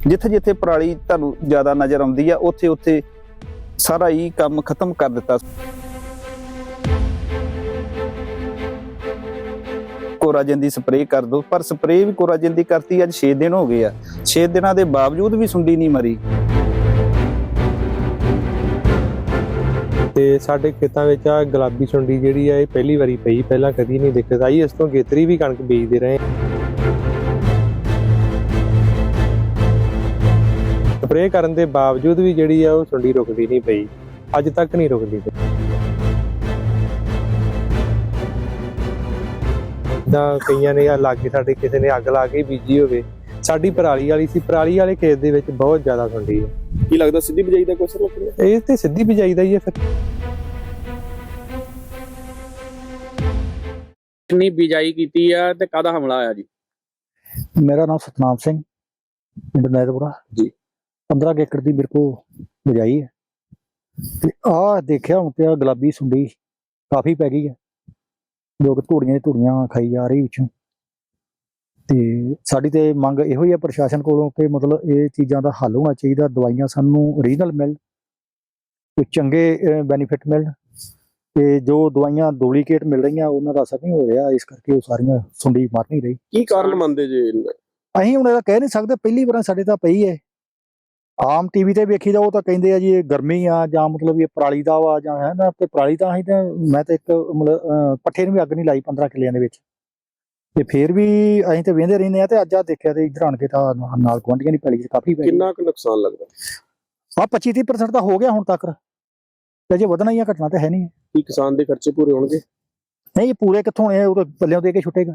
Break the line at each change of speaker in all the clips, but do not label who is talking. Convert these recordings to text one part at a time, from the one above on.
ਜਿੱਥੇ ਜਿੱਥੇ ਪਰਾਲੀ ਤੁਹਾਨੂੰ ਜ਼ਿਆਦਾ ਨਜ਼ਰ ਆਉਂਦੀ ਆ ਉੱਥੇ ਉੱਥੇ ਸਾਰਾ ਹੀ ਕੰਮ ਖਤਮ ਕਰ ਦਿੱਤਾ। ਕੋਰਾਜਨ ਦੀ ਸਪਰੇਅ ਕਰ ਦੋ, ਪਰ ਸਪਰੇਅ ਵੀ ਕੋਰਾਜਨ ਦੀ ਕਰਤੀ ਅੱਜ 6 ਦਿਨ ਹੋ ਗਏ ਆ। 6 ਦਿਨਾਂ ਦੇ ਬਾਵਜੂਦ ਵੀ ਸੁੰਡੀ ਨਹੀਂ ਮਰੀ।
ਤੇ ਸਾਡੇ ਖੇਤਾਂ ਵਿੱਚ ਆ ਗੁਲਾਬੀ ਸੁੰਡੀ ਜਿਹੜੀ ਆ ਇਹ ਪਹਿਲੀ ਵਾਰੀ ਪਈ, ਪਹਿਲਾਂ ਕਦੀ ਨਹੀਂ ਦਿੱਕਤ ਆਈ। ਇਸ ਤੋਂ ਗੇਤਰੀ ਵੀ ਕਣਕ ਬੀਜਦੇ ਰਹੇ, ਸਪਰੇਅ ਕਰਨ ਦੇ ਬਾਵਜੂਦ ਵੀ ਜਿਹੜੀ ਆ ਉਹ ਸੁੰਡੀ ਰੁਕਦੀ ਨਹੀਂ ਪਈ, ਅੱਜ ਤੱਕ ਨਹੀਂ ਰੁਕਦੀ ਪਈ। ਤਾਂ ਕਈਆਂ ਨੇ ਲਾਗੇ ਸਾਡੇ ਕਿਸੇ ਨੇ ਅੱਗ ਲਾ ਕੇ ਬੀਜੀ ਹੋਵੇ, ਸਾਡੀ ਪਰਾਲੀ ਵਾਲੀ ਸੀ, ਪਰਾਲੀ ਵਾਲੇ ਖੇਤ ਦੇ ਵਿੱਚ ਬਹੁਤ ਜ਼ਿਆਦਾ ਸੁੰਡੀ ਹੈ।
ਕੀ ਲੱਗਦਾ ਸਿੱਧੀ ਬਿਜਾਈ ਦਾ ਕੋਈ ਅਸਰ ਲੱਗਦਾ?
ਇਹ ਤੇ ਸਿੱਧੀ ਬਿਜਾਈ ਦਾ ਹੀ ਹੈ। ਫਿਰ
ਕਿੰਨੀ ਬਿਜਾਈ ਕੀਤੀ ਆ ਤੇ ਕਾਹਦਾ ਹਮਲਾ ਆਇਆ ਜੀ?
ਮੇਰਾ ਨਾਮ ਸਤਨਾਮ ਸਿੰਘ, ਪਿੰਡ ਨੈਦਪੁਰਾ
ਜੀ।
15 ਏਕੜ ਦੀ ਮੇਰੇ ਕੋਲ ਬਿਜਾਈ ਹੈ ਤੇ ਆਹ ਦੇਖਿਆ ਹੁਣ ਪਿਆ ਗੁਲਾਬੀ ਸੁੰਡੀ ਕਾਫੀ ਪੈ ਗਈ ਹੈ, ਲੋਕ ਧੂੜੀਆਂ ਖਾਈ ਜਾ ਰਹੀ ਵਿੱਚੋਂ। ਤੇ ਸਾਡੀ ਤੇ ਮੰਗ ਇਹੋ ਹੀ ਹੈ ਪ੍ਰਸ਼ਾਸਨ ਕੋਲੋਂ ਕਿ ਮਤਲਬ ਇਹ ਚੀਜ਼ਾਂ ਦਾ ਹੱਲ ਹੋਣਾ ਚਾਹੀਦਾ, ਦਵਾਈਆਂ ਸਾਨੂੰ ਓਰੀਜਨਲ ਮਿਲਣ, ਕੋਈ ਚੰਗੇ ਬੈਨੀਫਿਟ ਮਿਲਣ, ਤੇ ਜੋ ਦਵਾਈਆਂ ਡੁਪਲੀਕੇਟ ਮਿਲ ਰਹੀਆਂ ਉਹਨਾਂ ਦਾ ਅਸਰ ਨਹੀਂ ਹੋ ਰਿਹਾ, ਇਸ ਕਰਕੇ ਉਹ ਸਾਰੀਆਂ ਸੁੰਡੀ ਮਰ ਨਹੀਂ ਰਹੀ।
ਕੀ ਕਾਰਨ ਮੰਨਦੇ ਜੇ?
ਅਸੀਂ ਹੁਣ ਇਹਦਾ ਕਹਿ ਨਹੀਂ ਸਕਦੇ, ਪਹਿਲੀ ਵਾਰ ਸਾਡੇ ਤਾਂ ਪਈ ਹੈ। ਆਮ ਟੀਵੀ ਤੇ ਵੇਖੀਦਾ ਉਹ ਤਾਂ ਕਹਿੰਦੇ ਆ ਜੀ ਇਹ ਗਰਮੀ ਆ ਜਾਂ ਮਤਲਬ ਇਹ ਪਰਾਲੀ ਦਾ ਵਾ ਜਾਂ ਹੈ ਨਾ, ਤੇ ਪਰਾਲੀ ਤਾਂ ਅਸੀਂ ਤਾਂ ਮੈਂ ਤਾਂ ਇੱਕ ਮਤਲਬ ਪੱਠੇ ਨੂੰ ਵੀ ਅੱਗ ਨਹੀਂ ਲਾਈ 15 ਕਿੱਲਿਆਂ ਦੇ ਵਿੱਚ, ਤੇ ਫੇਰ ਵੀ ਅਸੀਂ ਤੇ ਵੇਂਦੇ ਰਹਿੰਦੇ ਆ। ਤੇ ਅੱਜ ਆ ਦੇਖਿਆ ਤੇ ਇੱਧਰ ਆਣ ਕੇ ਤਾਂ ਨਾਲ ਗੁਆਂਢੀਆਂ ਦੀ ਪੈਲੀ 'ਚ ਕਾਫੀ ਪੈ ਗਈ।
ਕਿੰਨਾ ਕੁ ਨੁਕਸਾਨ ਲੱਗਦਾ?
25-30% ਤਾਂ ਹੋ ਗਿਆ ਹੁਣ ਤੱਕ, ਤੇ ਅਜੇ ਵਧਣਾ ਹੀ ਆ, ਘਟਣਾ ਤਾਂ ਹੈ ਨਹੀਂ।
ਕੀ ਕਿਸਾਨ ਦੇ ਖਰਚੇ ਪੂਰੇ ਹੋਣਗੇ?
ਨਹੀਂ, ਪੂਰੇ ਕਿੱਥੋਂ ਹੋਣੇ, ਉਹ ਤਾਂ ਪੱਲਿਓਂ ਦੇ ਕੇ ਛੁੱਟੇਗਾ।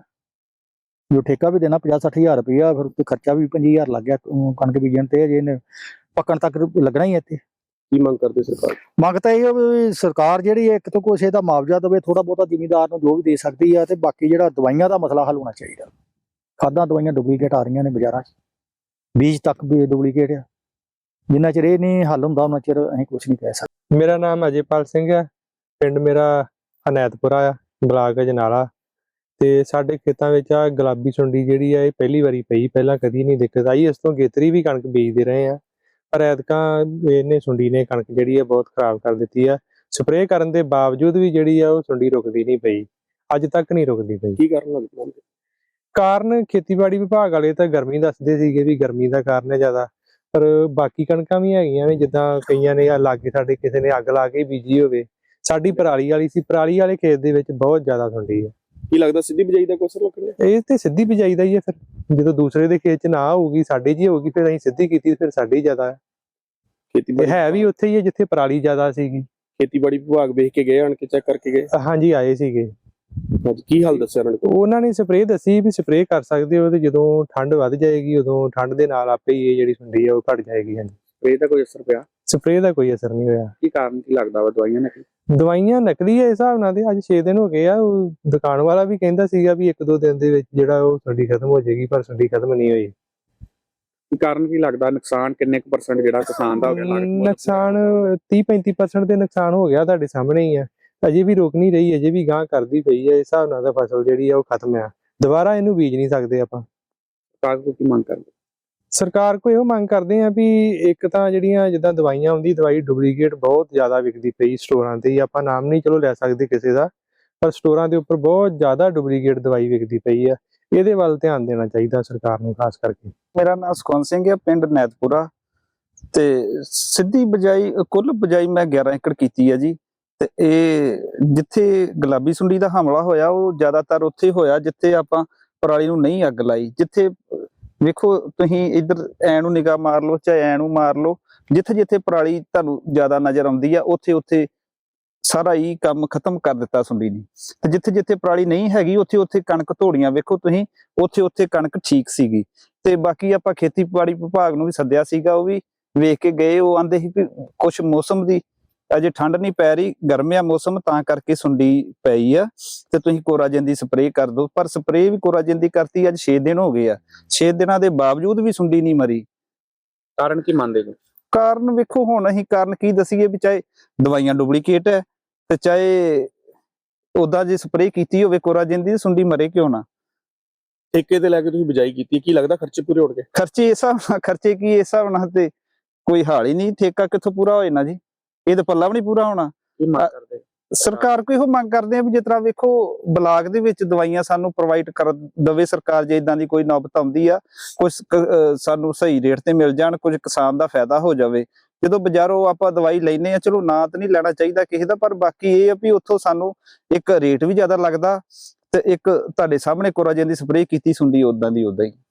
ਜੋ ਠੇਕਾ ਵੀ ਦੇਣਾ 50-60 ਹਜ਼ਾਰ ਰੁਪਇਆ, ਫਿਰ ਉੱਤੇ ਖਰਚਾ ਵੀ 25 ਹਜ਼ਾਰ ਲੱਗ ਗਿਆ ਕਣਕ ਬੀਜਣ ਤੇ, ਅਜੇ ਇਹਨੇ ਪੱਕਣ ਤੱਕ ਲੱਗਣਾ ਹੀ ਇੱਥੇ।
ਕੀ ਮੰਗ ਕਰਦੇ ਸਰਕਾਰ?
ਮੰਗ ਤਾਂ ਇਹ ਵੀ ਸਰਕਾਰ ਜਿਹੜੀ ਇੱਕ ਤੋਂ ਕੁਛ ਇਹਦਾ ਮੁਆਵਜ਼ਾ ਦੇਵੇ, ਥੋੜਾ ਬਹੁਤਾ ਜ਼ਿਮੀਂਦਾਰ ਨੂੰ ਜੋ ਵੀ ਦੇ ਸਕਦੀ ਆ, ਤੇ ਬਾਕੀ ਜਿਹੜਾ ਦਵਾਈਆਂ ਦਾ ਮਸਲਾ ਹੱਲ ਹੋਣਾ ਚਾਹੀਦਾ। ਖਾਦਾਂ ਦਵਾਈਆਂ ਡੁਪਲੀਕੇਟ ਆ ਰਹੀਆਂ ਨੇ ਬਾਜ਼ਾਰਾਂ 'ਚ, ਬੀਜ ਤੱਕ ਵੀ ਡੁਪਲੀਕੇਟ ਆ। ਜਿੰਨਾ ਚਿਰ ਇਹ ਨਹੀਂ ਹੱਲ ਹੁੰਦਾ ਉਹਨਾਂ ਚਿਰ ਅਸੀਂ ਕੁਛ ਨਹੀਂ ਕਹਿ ਸਕਦੇ।
ਮੇਰਾ ਨਾਮ ਅਜੇਪਾਲ ਸਿੰਘ ਹੈ, ਪਿੰਡ ਮੇਰਾ ਹਨੈਤਪੁਰਾ ਆ, ਬਲਾਕ ਅਜਨਾਲਾ। ਤੇ ਸਾਡੇ ਖੇਤਾਂ ਵਿੱਚ ਆ ਗੁਲਾਬੀ ਸੁੰਡੀ ਜਿਹੜੀ ਆ ਇਹ ਪਹਿਲੀ ਵਾਰੀ ਪਈ, ਪਹਿਲਾਂ ਕਦੀ ਨਹੀਂ ਦਿੱਕਤ ਆਈ। ਇਸ ਤੋਂ ਗੇਤਰੀ ਵੀ ਕਣਕ ਬੀਜਦੇ ਰਹੇ ਆ, ਪਰ ਐਤਕਾਂ ਇਹਨੇ ਸੁੰਡੀ ਨੇ ਕਣਕ ਜਿਹੜੀ ਆ ਬਹੁਤ ਖਰਾਬ ਕਰ ਦਿੱਤੀ ਆ। ਸਪਰੇਅ ਕਰਨ ਦੇ ਬਾਵਜੂਦ ਵੀ ਜਿਹੜੀ ਆ ਉਹ ਸੁੰਡੀ ਰੁਕਦੀ ਨਹੀਂ ਪਈ, ਅੱਜ ਤੱਕ ਨਹੀਂ ਰੁਕਦੀ ਪਈ।
ਕੀ ਕਾਰਨ ਲੱਗਦਾ?
ਕਾਰਨ ਖੇਤੀਬਾੜੀ ਵਿਭਾਗ ਵਾਲੇ ਤਾਂ ਗਰਮੀ ਦੱਸਦੇ ਸੀਗੇ ਵੀ ਗਰਮੀ ਦਾ ਕਾਰਨ ਹੈ ਜ਼ਿਆਦਾ, ਪਰ ਬਾਕੀ ਕਣਕਾਂ ਵੀ ਹੈਗੀਆਂ ਨੇ, ਜਿੱਦਾਂ ਕਈਆਂ ਨੇ ਲਾਗੇ ਸਾਡੇ ਕਿਸੇ ਨੇ ਅੱਗ ਲਾ ਕੇ ਬੀਜੀ ਹੋਵੇ, ਸਾਡੀ ਪਰਾਲੀ ਵਾਲੀ ਸੀ, ਪਰਾਲੀ ਵਾਲੇ ਖੇਤ ਦੇ ਵਿੱਚ ਬਹੁਤ ਜ਼ਿਆਦਾ ਸੁੰਡੀ ਹੈ।
ਕੀ ਲੱਗਦਾ ਸਿੱਧੀ ਬਿਜਾਈ ਦਾ ਕੋਈ ਅਸਰ ਲੱਗਦਾ?
ਇਹ ਤੇ ਸਿੱਧੀ ਬਿਜਾਈ ਦਾ ਹੀ ਹੈ। ਫਿਰ ਜਦੋਂ ਦੂਸਰੇ ਦੇ ਖੇਤ 'ਚ ਨਾ ਹੋਊਗੀ, ਸਾਡੇ 'ਚ ਹੀ ਹੋਊਗੀ, ਫਿਰ ਅਸੀਂ ਸਿੱਧੀ ਕੀਤੀ, ਫਿਰ ਸਾਡੀ ਜ਼ਿਆਦਾ ਹੈ।
ਖੇਤੀਬਾੜੀ
ਹੈ ਵੀ ਉੱਥੇ ਹੀ ਹੈ ਜਿੱਥੇ ਪਰਾਲੀ ਜ਼ਿਆਦਾ ਸੀਗੀ।
ਖੇਤੀਬਾੜੀ ਵਿਭਾਗ ਵੇਖ ਕੇ ਗਏ, ਆਣ ਕੇ ਚੈੱਕ ਕਰਕੇ ਗਏ?
ਹਾਂਜੀ, ਆਏ ਸੀਗੇ।
ਅੱਜ ਕੀ ਹਾਲ ਦੱਸਿਆ
ਉਹਨਾਂ ਨੇ ਸਪਰੇਅ ਦੱਸੀ ਵੀ ਸਪਰੇਅ ਕਰ ਸਕਦੇ ਹੋ, ਤੇ ਜਦੋਂ ਠੰਡ ਵੱਧ ਜਾਏਗੀ ਉਦੋਂ ਠੰਡ ਦੇ ਨਾਲ ਆਪੇ ਹੀ ਇਹ ਜਿਹੜੀ ਸੁੰਡੀ ਆ ਉਹ ਘਟ ਜਾਏਗੀ। ਹਾਂਜੀ,
ਸਪਰੇਅ ਦਾ ਕੋਈ ਅਸਰ ਪਿਆ?
ਸਪਰੇਅ ਦਾ ਕੋਈ ਅਸਰ ਨਹੀਂ ਹੋਇਆ।
ਕੀ ਕਾਰਨ ਕੀ ਲੱਗਦਾ ਵਾ?
ਦਵਾਈਆਂ ਨਕਲੀ ਹੈ ਇਸ ਹਿਸਾਬ ਨਾਲ। ਤੇ ਅੱਜ 6 ਦਿਨ ਹੋ ਗਏ ਆ, ਉਹ ਦੁਕਾਨ ਵਾਲਾ ਵੀ ਕਹਿੰਦਾ ਸੀਗਾ ਵੀ 1-2 ਦਿਨ ਦੇ ਵਿੱਚ ਜਿਹੜਾ ਉਹ ਸੁੰਡੀ ਖਤਮ ਹੋ ਜਾਏਗੀ, ਪਰ ਸੁੰਡੀ ਖਤਮ ਨਹੀਂ ਹੋਈ।
ਕੀ ਕਾਰਨ ਕੀ ਲੱਗਦਾ? ਨੁਕਸਾਨ ਕਿੰਨੇ ਕੁ % ਜਿਹੜਾ ਕਿਸਾਨ ਦਾ ਹੋ ਗਿਆ?
ਨੁਕਸਾਨ 30-35% ਦੇ ਨੁਕਸਾਨ ਹੋ ਗਿਆ, ਤੁਹਾਡੇ ਸਾਹਮਣੇ ਹੀ ਆ। ਅਜੇ ਵੀ ਰੁਕ ਨਹੀਂ ਰਹੀ, ਅਜੇ ਵੀ ਗਾਂਹ ਕਰਦੀ ਪਈ ਹੈ। ਇਸ ਹਿਸਾਬ ਨਾਲ ਤਾਂ ਫਸਲ ਜਿਹੜੀ ਆ ਉਹ ਖਤਮ ਆ, ਦੁਬਾਰਾ ਇਹਨੂੰ ਬੀਜ ਨਹੀਂ ਸਕਦੇ ਆਪਾਂ।
ਸਰਕਾਰ ਕੋਲ ਕੀ ਮੰਗ ਕਰਦੇ?
ਸਰਕਾਰ ਕੋਲ ਇਹੋ ਮੰਗ ਕਰਦੇ ਆ ਵੀ ਇੱਕ ਤਾਂ ਜਿਹੜੀਆਂ ਜਿੱਦਾਂ ਦਵਾਈਆਂ ਆਉਂਦੀ, ਦਵਾਈ ਡੁਪਲੀਕੇਟ ਬਹੁਤ ਜ਼ਿਆਦਾ ਵਿਕਦੀ ਪਈ ਸਟੋਰਾਂ ਤੇ। ਆਪਾਂ ਨਾਮ ਨਹੀਂ ਚਲੋ ਲੈ ਸਕਦੇ ਕਿਸੇ ਦਾ, ਪਰ ਸਟੋਰਾਂ ਦੇ ਉੱਪਰ ਬਹੁਤ ਜ਼ਿਆਦਾ ਡੁਪਲੀਕੇਟ ਦਵਾਈ ਵਿਕਦੀ ਪਈ ਆ। ਇਹਦੇ ਵੱਲ ਧਿਆਨ ਦੇਣਾ ਚਾਹੀਦਾ ਸਰਕਾਰ ਨੂੰ ਖਾਸ ਕਰਕੇ।
ਮੇਰਾ ਨਾਮ ਸੁਖਵੰਤ ਸਿੰਘ ਹੈ, ਪਿੰਡ ਨੈਦਪੁਰਾ। ਤੇ ਸਿੱਧੀ ਬਜਾਈ ਕੁੱਲ ਬਜਾਈ ਮੈਂ 11 ਏਕੜ ਕੀਤੀ ਹੈ ਜੀ। ਤੇ ਇਹ ਜਿੱਥੇ ਗੁਲਾਬੀ ਸੁੰਡੀ ਦਾ ਹਮਲਾ ਹੋਇਆ ਉਹ ਜ਼ਿਆਦਾਤਰ ਉੱਥੇ ਹੋਇਆ ਜਿੱਥੇ ਆਪਾਂ ਪਰਾਲੀ ਨੂੰ ਨਹੀਂ ਅੱਗ ਲਾਈ। ਜਿੱਥੇ ਵੇਖੋ ਤੁਸੀਂ ਇੱਧਰ ਐ ਨੂੰ ਨਿਗਾਹ ਮਾਰ ਲਓ, ਚਾਹੇ ਐ ਨੂੰ ਮਾਰ ਲਓ, ਜਿੱਥੇ ਜਿੱਥੇ ਪਰਾਲੀ ਤੁਹਾਨੂੰ ਜ਼ਿਆਦਾ ਨਜ਼ਰ ਆਉਂਦੀ ਆ ਉੱਥੇ ਉੱਥੇ ਸਾਰਾ ਹੀ ਕੰਮ ਖਤਮ ਕਰ ਦਿੱਤਾ ਸੁੰਡੀ ਨੇ। ਤੇ ਜਿੱਥੇ ਜਿੱਥੇ ਪਰਾਲੀ ਨਹੀਂ ਹੈਗੀ ਉੱਥੇ ਉੱਥੇ ਕਣਕ ਧੋੜੀਆਂ ਵੇਖੋ ਤੁਸੀਂ, ਉੱਥੇ ਉੱਥੇ ਕਣਕ ਠੀਕ ਸੀਗੀ। ਤੇ ਬਾਕੀ ਆਪਾਂ ਖੇਤੀਬਾੜੀ ਵਿਭਾਗ ਨੂੰ ਵੀ ਸੱਦਿਆ ਸੀਗਾ, ਉਹ ਵੀ ਵੇਖ ਕੇ ਗਏ। ਉਹ ਆਂਦੇ ਸੀ ਕਿ ਕੁਛ ਮੌਸਮ ਦੀ ਅਜੇ ਠੰਡ ਨਹੀਂ ਪੈ ਰਹੀ, ਗਰਮਿਆ ਮੌਸਮ, ਤਾਂ ਕਰਕੇ ਸੁੰਡੀ ਪਈ ਆ, ਤੇ ਤੁਸੀਂ ਕੋਰਾਜਨ ਦੀ ਸਪਰੇਅ ਕਰ ਦਿਓ। ਪਰ ਸਪਰੇਅ ਵੀ ਕੋਰਾਜਨ ਦੀ ਕਰਤੀ ਅੱਜ 6 ਦਿਨ ਹੋ ਗਏ ਆ। 6 ਦਿਨਾਂ ਦੇ ਬਾਵਜੂਦ ਵੀ ਸੁੰਡੀ ਨਹੀਂ ਮਰੀ।
ਕਾਰਨ ਕੀ ਮੰਨਦੇ ਨੇ?
ਕਾਰਨ ਵੇਖੋ ਹੁਣ ਅਸੀਂ ਕਾਰਨ ਕੀ ਦਸੀਏ ਵੀ ਚਾਹੇ ਦਵਾਈਆਂ ਡੁਪਲੀਕੇਟ ਹੈ ਤੇ ਚਾਹੇ ਉਹਦਾ ਜੇ ਸਪਰੇਅ ਕੀਤੀ ਹੋਵੇ ਕੋਰਾਜਨ ਦੀ, ਸੁੰਡੀ ਮਰੇ ਕਿਉਂ ਨਾ।
ਠੇਕੇ ਤੇ ਲੈ ਕੇ ਤੁਸੀਂ ਬਿਜਾਈ ਕੀਤੀ, ਕੀ ਲੱਗਦਾ ਖਰਚੇ ਪੂਰੇ ਹੋਣਗੇ?
ਖਰਚੇ ਇਸ ਹਿਸਾਬ ਨਾਲ, ਖਰਚੇ ਕੀ ਇਸ ਹਿਸਾਬ ਨਾਲ ਤੇ ਕੋਈ ਹਾਲ ਹੀ ਨਹੀਂ। ਠੇਕਾ ਕਿੱਥੋਂ ਪੂਰਾ ਹੋਏ ਨਾ ਜੀ, ਇਹ ਤਾਂ ਪੱਲਾ ਵੀ ਨਹੀਂ ਪੂਰਾ ਹੋਣਾ।
ਕੀ ਮੰਗ ਕਰਦੇ?
ਸਰਕਾਰ ਕੋਈ ਇਹੋ ਮੰਗ ਕਰਦੇ ਆ ਵੀ ਜਿਸ ਤਰ੍ਹਾਂ ਵੇਖੋ ਬਲਾਕ ਦੇ ਵਿੱਚ ਦਵਾਈਆਂ ਸਾਨੂੰ ਪ੍ਰੋਵਾਈਡ ਕਰ ਦਵੇ ਸਰਕਾਰ, ਜੇ ਇਦਾਂ ਦੀ ਕੋਈ ਨੌਬਤ ਆਉਂਦੀ ਆ, ਕੁਝ ਸਾਨੂੰ ਸਹੀ ਰੇਟ ਤੇ ਮਿਲ ਜਾਣ, ਕੁਝ ਕਿਸਾਨ ਦਾ ਫਾਇਦਾ ਹੋ ਜਾਵੇ। ਜਦੋਂ ਬਾਜ਼ਾਰੋਂ ਆਪਾਂ ਦਵਾਈ ਲੈਨੇ ਆ, ਚਲੋ ਨਾ ਤਾਂ ਨਹੀਂ ਲੈਣਾ ਚਾਹੀਦਾ ਕਿਸੇ ਦਾ, ਪਰ ਬਾਕੀ ਇਹ ਆ ਵੀ ਉੱਥੋਂ ਸਾਨੂੰ ਇੱਕ ਰੇਟ ਵੀ ਜ਼ਿਆਦਾ ਲੱਗਦਾ ਤੇ ਇੱਕ ਤੁਹਾਡੇ ਸਾਹਮਣੇ ਕੋਰਾਜਨ ਦੀ ਸਪਰੇਅ ਕੀਤੀ ਸੁੰਡੀ ਉਦਾਂ ਦੀ ਉਦਾਂ ਹੀ।